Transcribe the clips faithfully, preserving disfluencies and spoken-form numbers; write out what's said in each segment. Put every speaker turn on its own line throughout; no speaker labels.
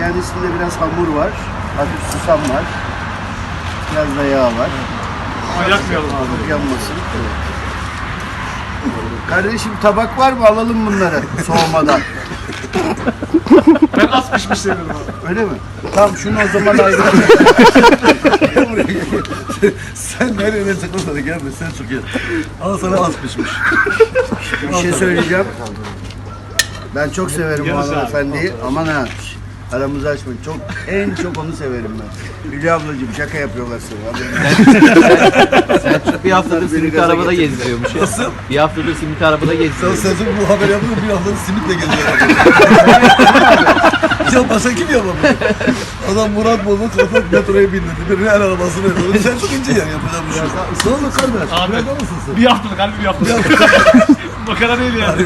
Kendisinde biraz hamur var. Hafif susam var. Biraz da yağ var.
Yakmayalım abi.
Yanmasın. Kardeşim tabak var mı? Alalım bunları soğumadan.
Ben az pişmiş seviyorum abi.
Öyle mi? Tamam şunu o zaman ayrı.
Sen nereye çıkırsan da gelme, sen çok iyi. Al sana az pişmiş.
Bir şey söyleyeceğim. Ben çok severim bu
Yarısı abi.
hanımefendiyi. Aman ha. Aramızı açmayın. Çok, en çok onu severim ben. Hülya ablacığım şaka yapıyorlar sana.
Sen bir haftadır
Beni
simit
gaza
arabada
getirdi.
gezdiriyormuş ya. Nasıl? Bir haftadır simit arabada
Sen
gezdiriyormuş.
sezon bu haber yaptın bir haftada simitle geziyor. Ya başka kim yapamıyor? Adam Murat Boz'un trafik metroya bindirdi. Birinin el arabasını yapıyor. Sen çıkınca yani yapacağım bir şey. Ne oldu kardeş?
Abi.
Nerede mısın sen?
Bir haftalık harbi bir haftalık. Makara değil yani.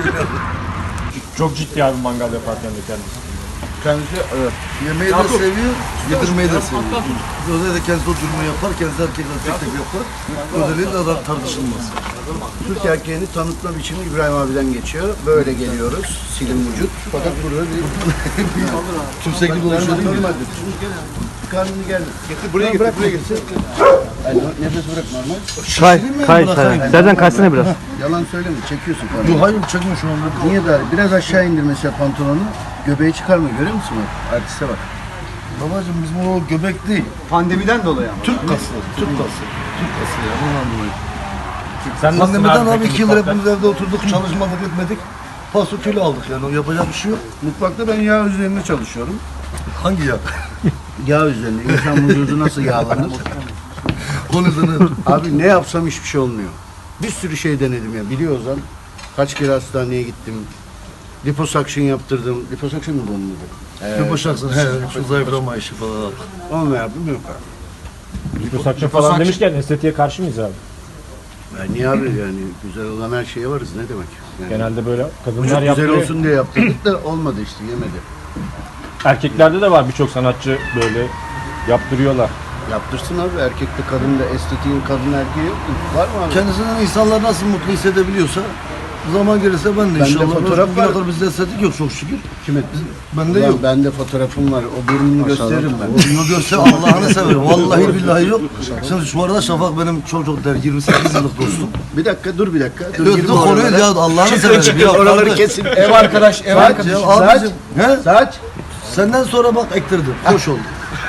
Çok ciddi abi mangal yaparken de kendisi.
Kendisi evet. Yemeği de seviyor, yedirmeyi de seviyor. Özellikle kendisi oturmayı yapar, kendisi erkekler tek tek yapar. Özellikle adam tartışılmaz.
Türk erkeğini tanıtma biçimi İbrahim abiden geçiyor. Böyle geliyoruz. Silim vücut. Fakat burada bir
Kimse gibi konuşuyor değil mi?
normaldir. Karnını gel. Getir buraya getir. Buraya getir. Yani nefes bırak normal.
Kay, kay, kay. Serden kaysana biraz.
Yalan söyleme. Çekiyorsun karnını.
Yok hayır çekme şu anda.
Niye dar? Biraz aşağı indir mesela pantolonu. Göbeği çıkarma. Görüyor musun bak? Artiste bak.
Babacığım bizim o göbek değil.
Pandemiden dolayı ama.
Türk kası. Türk kası. Türk kası ya. Ondan dolayı.
Sen nasılsın
Pandemiden abi
peki
iki yıl
mutfakta?
hepimiz evde oturduk, çalışmadık etmedik. Paso kilo aldık yani. O yapacak bir şey yok.
Mutfakta ben yağ üzerinde çalışıyorum.
Hangi ya?
Yağ üzerinde. İnsan vücudu nasıl yağlanır?
Onun üzerine.
Abi ne yapsam hiçbir şey olmuyor. Bir sürü şey denedim ya. Biliyorsan kaç kere hastaneye gittim. Liposuction yaptırdım. Liposuction mı bunun adı?
Bir boşaksın. He, şu zayıflama işi falan.
Onu da yaptım yok abi.
Liposuction falan demişken estetiğe karşı mıyız abi?
Ya niye abi yani güzel olan her şeye varız ne demek? Yani
Genelde böyle
vücut
kadınlar
güzel
yaptırıyor.
olsun diye yaptırdık da olmadı işte yemedi.
Erkeklerde de var birçok sanatçı böyle yaptırıyorlar.
Yaptırsın abi erkekte kadında estetiğin kadın erkeği yok mu? Var mı abi?
Kendisinden insanlar nasıl mutlu hissedebiliyorsa zaman gelirse ben de
Bende
inşallah.
fotoğraf
Bugüne
var.
kadar bizde estetik yok çok şükür.
Kime?
Bende
Ulan
yok.
bende fotoğrafım var. O burnunu gösteririm ben.
Bunu görse Allah'ını severim. Vallahi billahi yok. Şimdi şu arada Şafak benim çok çok der yirmi sekiz yıllık dostum.
Bir dakika dur bir dakika. Dur,
Dur,
girme
dur konuyu
oralara.
ya Allah'ını
Çıkın,
severim.
çıkın,
Ya
oraları
kardeş.
kesin. Ev arkadaş, ev
Saç
arkadaş.
ya,
Saç,
abicim. He?
saç.
Senden sonra bak ektirdim. Hoş oldu.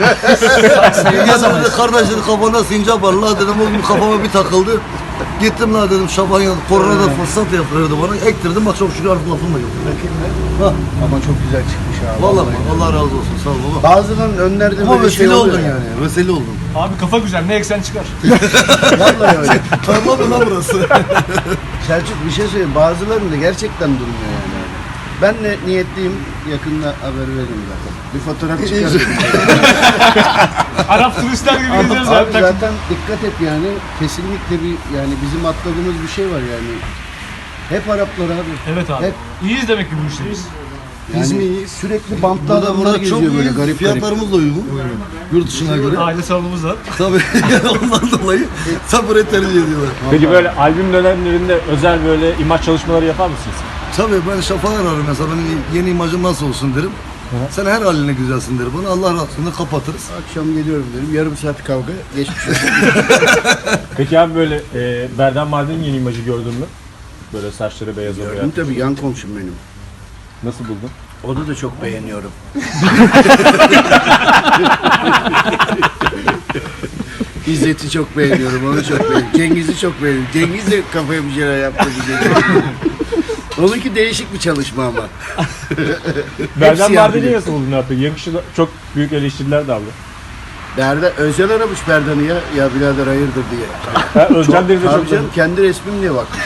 Yazamadı kardeşlerin kafana sincap var. La dedim o gün kafama bir takıldı. Gittim la dedim Şaban yanı. Koronada fırsat yaptırıyordu bana. Ektirdim bak çok şükür artık lafım da yok. Ha.
Ama çok güzel çıkmış abi.
Vallahi bak, Allah razı olsun sağ ol baba.
Bazılarının önlerde
Ama
böyle şey
vesile
oluyor.
oldun yani. Vesile oldun.
Abi kafa güzel ne eksen çıkar.
Vallahi öyle.
Tarla mı lan burası?
Selçuk bir şey söyleyeyim. Bazılarının da gerçekten durmuyor yani. Ben de niyetliyim. Yakında haber vereyim zaten. Bir fotoğraf çıkarırım.
Arap turistler gibi
Abi
gezeriz abi. takım.
zaten dikkat et yani. Kesinlikle bir yani bizim atladığımız bir şey var yani. Hep Araplar abi.
Evet abi.
Hep
İyiyiz demek ki bu işte biz.
yani
Biz mi iyiyiz?
sürekli bantlı
Burada
adamlar
burada
geziyor
çok
böyle
iyi.
garip garip.
Fiyatlarımız da uygun. Yurt dışına göre.
Aile salonumuz var.
Tabii ondan dolayı sabırı tercih ediyorlar.
Peki böyle albüm dönemlerinde özel böyle imaj çalışmaları yapar mısınız?
Tabii ben Şafak'ı ararım mesela benim yeni imajım nasıl olsun derim. Sen her haline güzelsin der bana. Allah razı olsun kapatırız.
Akşam geliyorum dedim. Yarım saat kavga geçmiş olsun.
Peki abi böyle e, Berdan Mardin'in yeni imajı gördün mü? Böyle saçları beyaz oluyor.
Gördüm tabii yan komşum benim.
Nasıl buldun?
Onu da çok beğeniyorum. İzzet'i çok beğeniyorum, onu çok beğeniyorum. Cengiz'i çok beğeniyorum. Cengiz de kafaya bir şeyler yaptı. Onunki değişik bir çalışma ama.
Berdan
siyah
Mardin'i
bile.
nasıl buldun abi? Yakışı da çok büyük eleştiriler de aldı.
Berda, Özcan aramış Berdan'ı ya. Ya birader hayırdır diye.
Ha, Özcan Deniz'e
Tabii
çok
canım, kendi resmim diye bakmış.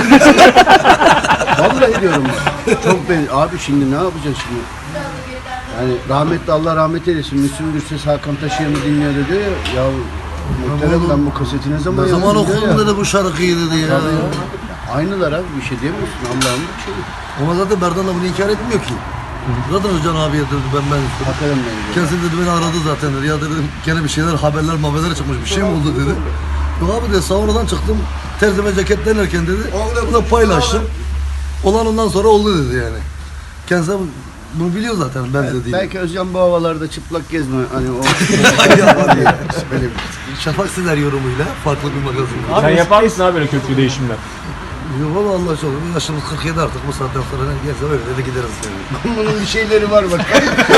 Vallahi diyorum ben. Çok ben abi şimdi ne yapacağız şimdi? Yani rahmetli Allah rahmet eylesin. Müslüm Gürses Hakan Taşıyan'ı dinliyor dedi ya. Ya muhterem ben bu kaseti ne zaman
Ne zaman
yaptım diyor
okudun
ya.
dedi bu şarkıyı dedi ya.
Tabii ya. Aynılar abi bir şey diyemiyorsun Allah'ın bir şey.
Ama zaten Berdan da bunu inkar etmiyor ki. Zaten Özcan abiye dedi ben ben istedim.
Bakalım ben diyor.
Kendisi dedi beni aradı zaten dedi. Ya dedim gene bir şeyler haberler haberler çıkmış bir şey mi oldu dedi. Yok abi dedi sonradan çıktım terzime ceket denerken dedi. Bunu paylaştım. Olan ondan sonra oldu dedi yani. Kendisi bunu biliyor zaten benzediğini.
Belki Özcan bu havalarda çıplak gezme hani o böyle
Şafak Sezer yorumuyla farklı bir magazin.
Sen yapar mısın abi böyle köklü değişimler?
Yok valla Allah çok. Yaşımız kırk yedi artık bu saatten sonra ne gelse öyle de gideriz.
bunun bir şeyleri var bak.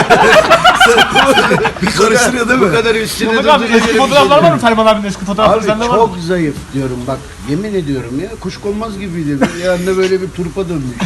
Bir karıştırıyor değil mi?
Bu kadar üstüne
Muhammed abi
durdurunca
eski
bir
fotoğraflar
şey
var mı? Ferman abinin eski fotoğrafları
Abi
sende var mı?
çok zayıf diyorum bak yemin ediyorum ya kuşkonmaz gibiydi. Yanında böyle bir turpa dönmüş.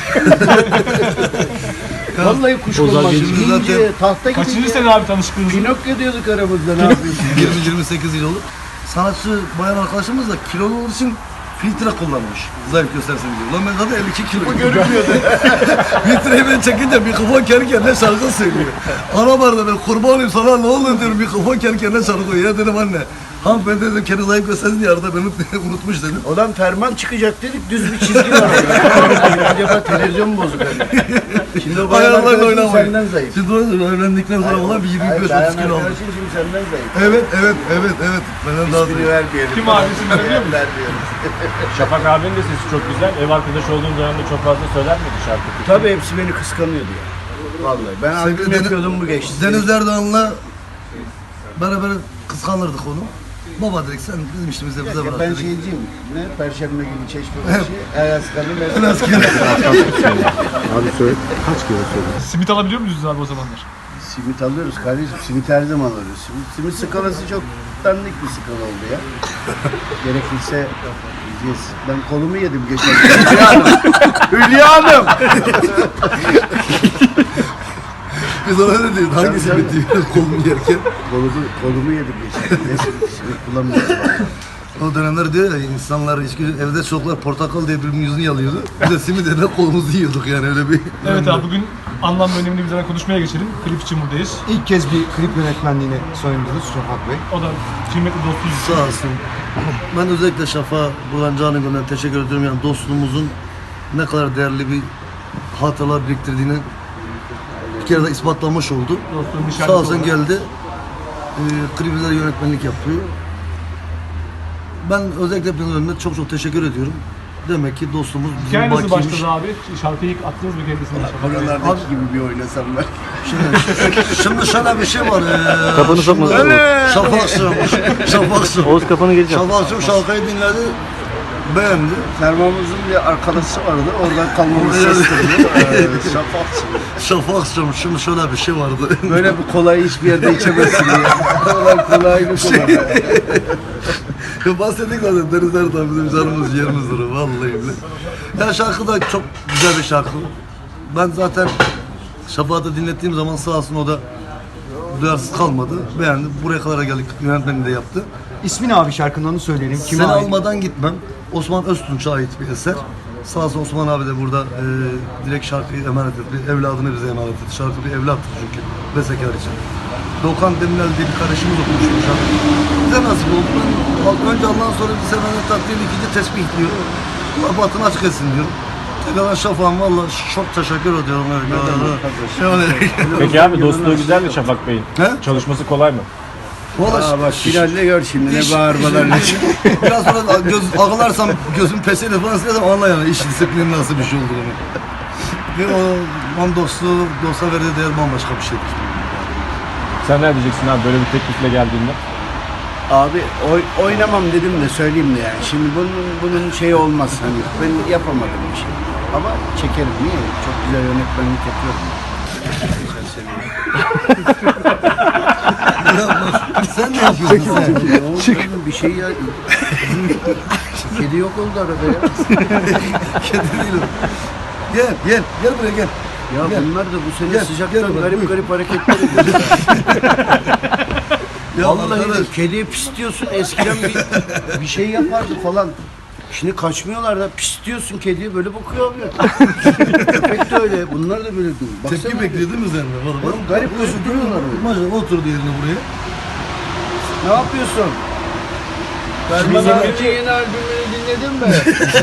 Vallahi kuşkonmaz.
Şimdi zaten-
İnce, tahta gibi.
Kaçıncı
ya.
sene abi tanıştığınız?
Pinokyo diyorduk aramızda ne yapıyorsun?
yirmi yirmi sekiz yıl olur. Sanatçı bayan arkadaşımız da kilolu olduğu için filtre kullanmış. Zayıf göstersin diye. Lan ben zaten elli iki kilo. Bu görünmüyordu. Filtreyi ben çekince mikrofon kendi kendine şarkı söylüyor. Ana barda ben kurban olayım sana ne olur diyorum mikrofon kendi kendine şarkı söylüyor. Ya dedim anne. Hanımefendi dedim kendi zayıf göstersin diye arada beni unutmuş dedim.
Olan ferman çıkacak dedik düz bir çizgi var orada. Acaba televizyon bozuk öyle. Şimdi o bayan
Ayarlarla
arkadaşın
oynamayın.
senden zayıf.
Şimdi onu öğrendikten sonra olan bir yirmi
Hayır,
beş
bayan
otuz kilo oldu.
arkadaşın şimdi senden zayıf.
Evet evet evet evet. Benden daha
İsmini
zayıf.
vermeyelim.
Kim abi, isim verebiliyor muyuz?
Vermiyoruz.
Şafak abinin de sesi çok güzel. Ev arkadaş olduğun dönemde çok fazla söyler miydi şarkı?
Tabii hepsi beni kıskanıyordu ya. Vallahi ben albüm
Sevgili Deniz-
yapıyordum bu geçti.
Deniz Erdoğan'la beraber kıskanırdık onu. Baba dedik sen bizim işimize bize bırak
Ben
dedik.
şeyciyim. Ne? Perşembe günü çeşme başı. Ayaz kanı ben.
Biraz kere.
Abi söyle. Kaç kere söyle.
Simit alabiliyor muyuz abi o zamanlar?
Simit alıyoruz kardeşim. Simit her zaman alıyoruz. Simit, simit skalası çok dandik bir skala oldu ya. Gerekirse yiyeceğiz. Ben kolumu yedim geçen gün. Hülya Hanım. Hülya Hanım.
Biz ona ne diyoruz? Hangisi bitti? Kolumu yerken.
Kolumu, kolumu yedim geçen gün. Ne simit, simit bulamıyorum.
O dönemler diyor ya insanlar içki, evde çocuklar portakal diye birbirinin yüzünü yalıyordu. Biz de simit yerine kolumuzu yiyorduk yani öyle bir.
Evet abi bugün anlamlı önemli bir zaman konuşmaya geçelim. Klip için buradayız.
İlk kez bir klip yönetmenliğini soyundunuz Şafak Bey.
O da kıymetli dostumuz.
Sağ olsun. Ben özellikle Şafak'a buradan canı gönülden teşekkür ediyorum. Yani dostluğumuzun ne kadar değerli bir hatıralar biriktirdiğini bir kere de ispatlamış oldu.
Dostluğun bir
Sağ
şarkısı
olsun
olarak.
geldi. Ee, klibimize yönetmenlik yapıyor. Ben özellikle hepinizin önünde çok çok teşekkür ediyorum. Demek ki dostluğumuz bizim
Hikaye nasıl
bakiymiş.
başladı abi? Şarkıyı ilk attınız mı kendisine? Şafak Bey?
Oralardaki gibi bir oynasam ben.
Şimdi, şimdi şöyle bir şey var. Ee,
Kafanı sokma.
Şafak'cığım, Şafak'cığım.
Oğuz kafanı geleceğim.
Şafak'cığım şarkıyı dinledi. Beğendi.
Sermamızın bir arkadaşı vardı. Oradan kalmamız sestirdi. Şafak.
Şafak'cığım şimdi şöyle bir şey vardı.
Böyle bir kolayı hiçbir yerde içemezsin ya. Kolay kolay bir kolay.
Bahsettik zaten Deniz Erdoğan bizim canımız yerimizdir vallahi bile. Ya şarkı da çok güzel bir şarkı. Ben zaten Şafak'ı dinlettiğim zaman sağ olsun o da duyarsız kalmadı. Beğendi. Buraya kadar geldik. Yönetmeni de yaptı.
İsmini abi şarkının onu söyleyelim. Kime
Seni
ait?
almadan gitmem. Osman Öztunç'a ait bir eser. Sağ olsun Osman abi de burada e, direkt şarkıyı emanet etti. Evladını bize emanet etti. Şarkı bir evlattır çünkü bestekar için. Doğukan Demirel diye bir kardeşimiz okumuş bu şarkıyı. Bize nasip oldu. Ben önce Allah'ın sonra bir seferinde takdir ikinci tesbih diyor. Allah batını açık etsin diyorum. Tekrardan Şafak'ım valla çok teşekkür ediyorum. Yani,
Peki abi dostluğu güzel mi Şafak Bey'in?
He?
Çalışması kolay mı?
valla
Aa bak finalde gör şimdi ne bağırmalar ne
biraz sonra göz, ağlarsam gözüm peseyle falan silersem anla yani iş disiplinin nasıl bir şey olduğunu. Ve o man dostluğu, dosta verdiği değer bambaşka bir şeydir.
Sen ne diyeceksin abi böyle bir teklifle geldiğinde?
Abi oy, oynamam dedim de söyleyeyim de yani. Şimdi bunun bunun şeyi olmaz hani ben yapamadım bir şey. Ama çekerim niye? Çok güzel yönetmenlik yapıyorum. Geçen sene.
Sen ne yapıyorsun sen?
Ne oldu? Bir şey ya. Kedi yok oldu arada ya.
Kedi değil o. Gel, gel, gel buraya gel.
Ya
Gel.
bunlar da bu sene
Gel,
sıcaktan
gel bak,
garip
buyur.
garip hareketler ediyor.
Ya
Vallahi
arkadaş,
de kediye pis diyorsun eskiden bir, bir şey yapardı falan. Şimdi kaçmıyorlar da pis diyorsun kediye böyle bakıyor abi. Köpek de öyle. Bunlar da böyle diyor.
tepki
Baksana.
bekliyor değil mi sen de? Valla bak.
Oğlum garip gözüküyorlar öyle.
Maşallah oturdu yerine buraya.
Ne yapıyorsun?
Şimdi
Ferman
yeni-
abi yeni albümünü dinledin mi?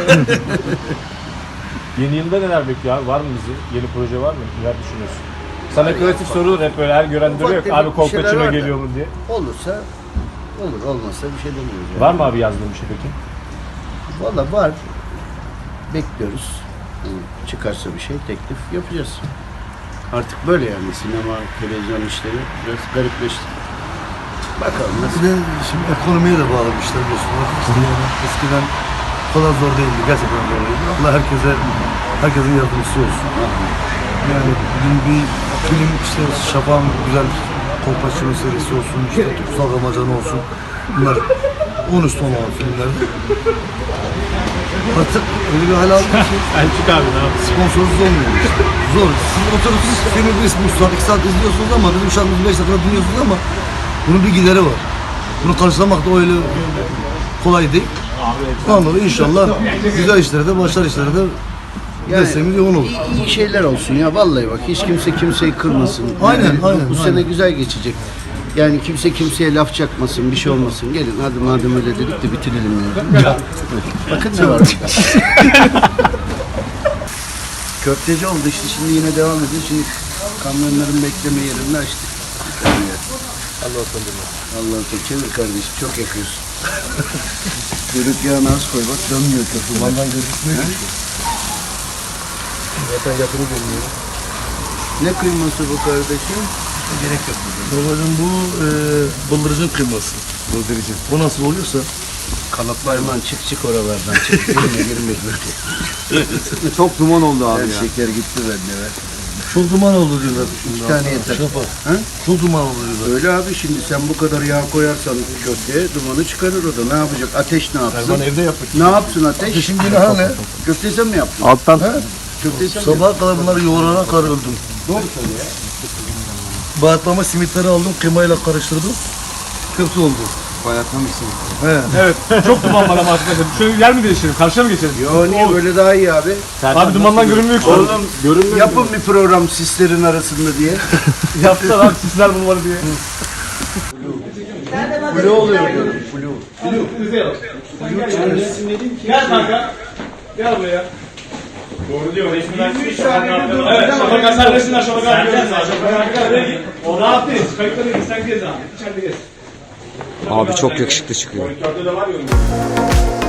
Yeni yılda neler bekliyor abi? Var mı bizi? Yeni proje var mı? Neler düşünüyorsun? Sana klasik sorulur hep böyle her gören
Ufak
duruyor yok.
tefek
Abi
bir şeyler
Kolpaçino
var da.
geliyor mu diye.
Olursa olur, olmazsa bir şey demiyoruz. Yani.
Var mı abi yazdığın bir şey peki?
Valla var. Bekliyoruz. Yani çıkarsa bir şey teklif yapacağız. Artık böyle yani sinema, televizyon işleri biraz garipleşti. Bakalım
Bir
nasıl.
de şimdi ekonomiye de bağlı bir işler biliyorsunuz. İşte yani eskiden bu kadar zor değildi. Gerçekten zor değildi. Allah herkese, herkesin yardımcısı olsun. Yani bugün bir film işte Şafak'ın güzel Kolpaçino serisi olsun, işte Kutsal Ramazan olsun. Bunlar on üstü olan filmlerdi. Artık öyle bir hal aldı ki
Elçik abi ne yaptın?
sponsorsuz olmuyor işte. Zor. Siz oturup siz filmi bir buçuk saat, iki saat izliyorsunuz ama bizim şarkımızı beş dakika dinliyorsunuz ama bunun bir gideri var. Bunu karşılamak da öyle kolay değil. Anladım inşallah güzel işlerde, başarılı işlerde desteğimiz yoğun olur.
iyi, iyi şeyler olsun ya vallahi bak hiç kimse kimseyi kırmasın.
Aynen,
Yani bu-
aynen,
Bu
aynen.
sene güzel geçecek. Yani kimse kimseye laf çakmasın, bir şey olmasın. Gelin hadi madem öyle dedik de bitirelim ya. Bakın ne var burada. Köfteci oldu işte şimdi yine devam ediyor. Şimdi kamyonların bekleme yerini açtık. Allah utandırma. Allah utandırma. Çevir kardeşim çok yakıyorsun. Kuyruk yağını az koy bak dönmüyor köfte.
Kumandan gözükmüyor. Zaten yakını görünüyor.
Ne kıyması bu kardeşim?
Gerek yok. Babacığım bu e, bıldırıcın kıyması. Bıldırıcın. Bu nasıl oluyorsa
Kanatlarman çık çık oralardan çık. Girme girme girme.
Çok duman oldu abi
Her
ya.
şeker gitti bende be.
çok duman oldu diyorlar.
İki tane yeter.
Şafak.
Ha?
Çok duman oldu diyorlar.
Öyle abi şimdi sen bu kadar yağ koyarsan köfteye dumanı çıkarır o da. Ne yapacak? Ateş ne yapsın?
Ben evde yaptık.
Ne yapsın ateş?
Ateşin günahı ne?
Köfteyi sen mi yaptın?
Alttan
Köfteyi sen mi yaptın?
Sabaha kadar bunları yoğurana kadar öldüm.
Doğru söylüyor ya.
Bahatlama simitleri aldım, kıymayla karıştırdım. Köfte oldu.
Bayatlamışsın.
He.
Evet. Çok duman var ama arkadaşlar. Şöyle yer mi değiştirelim? Karşıya mı geçelim?
Yo niye böyle daha iyi abi?
Abi dumandan görünmüyor ki.
Oğlum yapın bir program sislerin arasında diye.
Yaptılar abi sizler bunu var diye.
Flu oluyor diyorum.
Gel kanka. Gel buraya. Doğru diyor. Resminden Evet. Şafak sen resimden Şafak abi görüyorsun. Şafak abi. O rahat değil. Kayıtları değil. Sen gez abi. İçeride gez.
Abi çok yakışıklı çıkıyor.
Monitörde de var ya.